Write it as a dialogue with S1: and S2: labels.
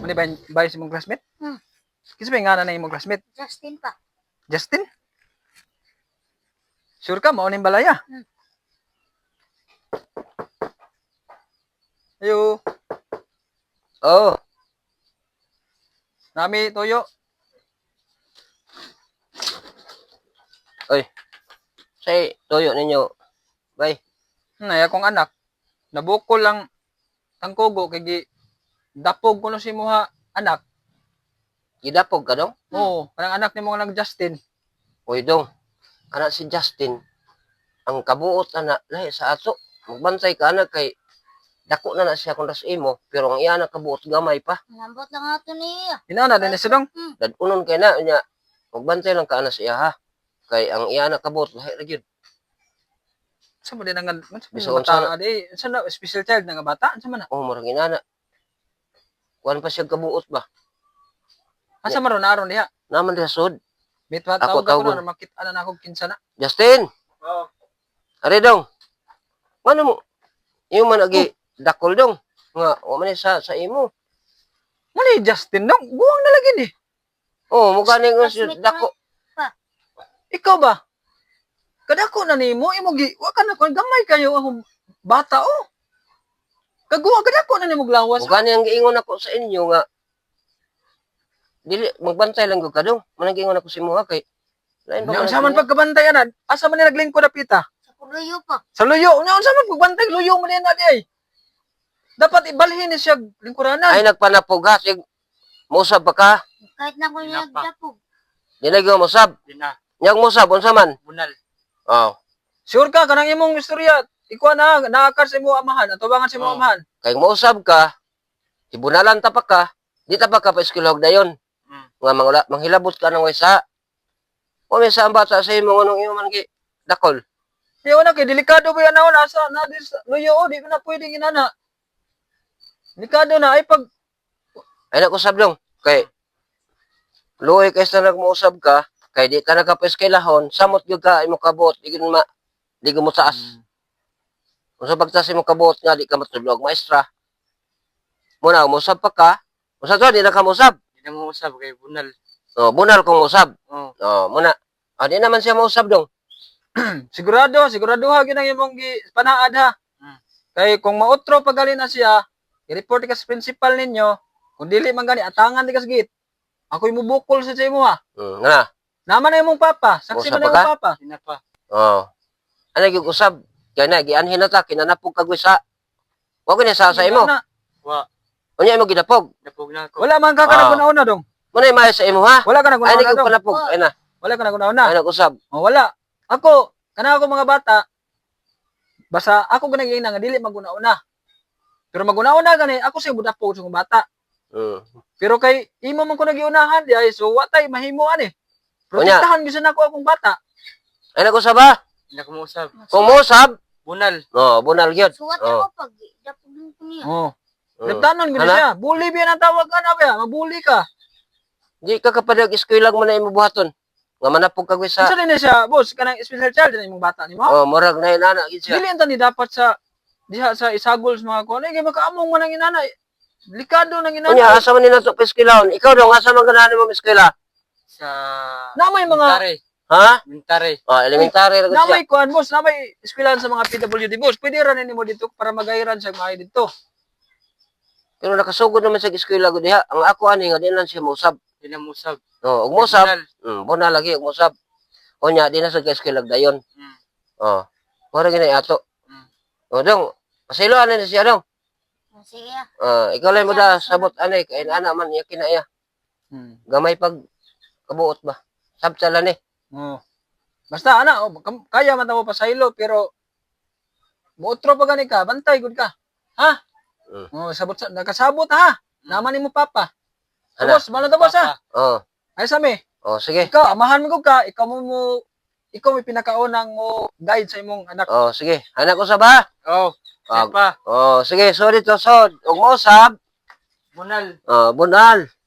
S1: Ano ba yung imong classmate? Kasi ba nga na imong classmate?
S2: Justin pa.
S1: Justin? Sure ka? Mauning balaya? Ayo.
S3: Oh,
S1: Nami toyo.
S3: oy. Say, tuyo ninyo. Bay.
S1: Ay akong anak. Nabukol lang tangkugo kay dapog ko no si muha anak.
S3: Gidapog ka dong?
S1: Oo, kanang anak ni mo nag Justin.
S3: Uy dong. Kana si Justin. Ang kabuot na lahi sa ato. Magbantay ka anak kay dako na siya kung das imo. Pero ang iya na kabuot gamay pa.
S2: Nambot lang ato niya.
S1: Inana din sa dong.
S3: Dadunon kay na niya. Magbantay lang ka na siya ha. Kay ang iya na kabuot lahi ra gyud.
S1: Sa mo din ang
S3: Bisoon
S1: bata adi, sa na special child nga bata, sa man na.
S3: Oh, murag inana. Kuan pa siya kabuot ba?
S1: Asa maron aron diha?
S3: Naman diha sud.
S1: Mitwa
S3: Ako
S1: tawag ako
S3: tawgon.
S1: na makita na ako kinsa na.
S3: Justin.
S1: Oo.
S3: Are dong. Mano mo? Imo man agi dakol dong. Nga wa man sa imo.
S1: Mo ni Justin dong, buwang na lagi ni.
S3: Oh, mukha ni nga
S2: Classmate
S3: dako.
S1: Ikaw ba? Kadako na nimo imo gi wa ka na kon gamay kayo akong bata oh. Kaguwa kadako na nimo glawas.
S3: Mukha ni ang giingon ako sa inyo nga dili magbantay lang gud ka dong. Man giingon ako sa imo ha kay lain
S1: Nya unsa man pagkabantay ana? Asa man ni naglingkod na pita?
S2: Sa kuluyo pa.
S1: Sa luyo. Nya unsa man pagbantay luyo man ni ay. Dapat ibalhin ni siya lingkuranan.
S3: ay nagpanapog ha sig musab pa ka.
S2: Kahit na ko niya dapog.
S3: Di na gyud musab.
S1: Di na.
S3: Nyag musab unsa man?
S1: Bunal.
S3: Oh.
S1: Sure ka kanang imong istorya. Ikaw na naakar sa imong amahan, atubangan sa imong amahan.
S3: Kay musab ka, ibunalan ta pa ka, di ta pa ka pa eskwelahog dayon. Nga manghilabot ka ng waysa. O may sa ang bata sa imo nganong imo man gi dakol.
S1: Di na kay delikado ba yan na nasa na dis luyo oh, di ko na pwedeng inana. Delikado na ay pag
S3: Ay nakusab dong. Kay luoy kay sa nagmuusab ka, kay di ka nakapaeskwelahon, samot gyud ka imo kabot, di gyud mo taas. Kung sa pagtaas imo kabot nga di ka matulog maestra. Muna umusab pa ka. Usa to di na ka musab.
S1: di na mo usab kay bunal.
S3: Oh, bunal kung usab.
S1: Oh.
S3: Oh, muna. Ah, di naman siya mausab dong.
S1: Sigurado ha gyud ang imong panaad ha. Kay kung mautro pagali na siya, i-report ka sa principal ninyo. Kung dili man gani atangan di ka sa gate. Ako imubukol sa imo ha.
S3: Nga.
S1: Naman na imong papa, saksi
S3: Usab
S1: man na
S3: pa
S1: imong
S3: ka?
S1: papa. Di na pa.
S3: Oh. Ano gyud usab? Kaya na gianhin na ta kinanapog kag wisa. Wa ko ni sa imo.
S1: Wa.
S3: Unya imo gidapog.
S1: Napog na ako. Wala man ka kanaguna-una dong.
S3: Muna may sa imo ha.
S1: Wala ka
S3: Ay
S1: naguna-una
S3: ni
S1: dong.
S3: panapog. Ay na.
S1: Wala ka naguna-una.
S3: Ay nag-usab.
S1: Oh, wala. Ako, kana ako mga bata, basta ako ganang nga dili maguna-una. Pero maguna-una gani, ako siya budapog sa mga bata. Pero kay imo man ko nagiunahan di ay so watay mahimuan eh. Protektahan gyud na ako akong bata.
S3: Ay nag-usab ha.
S1: Hindi ako mausab.
S3: Kung musab,
S1: Bunal.
S3: oh, bunal gyud.
S2: Suwat
S3: Oh.
S2: ako pag dapog lang ko niya.
S1: Oh.
S3: Mm.
S1: Nagtanon gyud
S3: Hala?
S1: siya. Bully biya ang tawag ka na ba? Mabuli ka.
S3: Di ka kapadag eskwela mo na imo buhaton. Nga manapog kag
S1: Unsa
S3: wisa.
S1: din na siya, boss, kanang special child din imong bata nimo.
S3: Oh, murag na inana gid siya.
S1: Dili anta ni dapat sa diha sa isagol sa mga kuan. Ay makaamong man ang inana. Delikado nang inana.
S3: Unya asa man nila to eskwelahon? Ikaw daw asa man ganahan mo eskwela?
S1: Sa namay mga
S3: Ha?
S1: elementary.
S3: Oh, elementary ra gud siya.
S1: Namay kuan boss, namay eskwelahan sa mga PWD boss. Pwede ra nimo dito para magayran sa mga dito.
S3: Pero nakasugod naman sa eskwela gud diha. Ang ako ani nga di lang siya musab.
S1: Di na musab.
S3: Oh, ug musab. Bunal lagi ug musab. Unya di na sa eskwela dayon. Oh. Mura gini ato. Oh, dong. Pasilo ani na siya dong.
S2: Sige ah.
S3: Ikaw lang mo da sabot anay kay ana man iya kinaya. Gamay pag kabuot ba. Sabtala ni.
S1: Oh. Basta ana, kaya man mo pasaylo pero mootro pa gani ka, bantay gud ka. Ha? Oh, sabot nakasabot ha. Naman nimo papa.
S3: Ano?
S1: Boss, malo ta boss ha.
S3: Oh.
S1: Ay sami.
S3: Oh, sige.
S1: Ikaw amahan mo ka, ikaw may pinakaunang mo guide sa imong anak.
S3: Oh, sige. Anak ko sa ba?
S1: Oh,
S3: Ah,
S1: pa.
S3: Oh, sige. Sorry to, sod. Ug mo sab.
S1: Bunal.
S3: Bunal.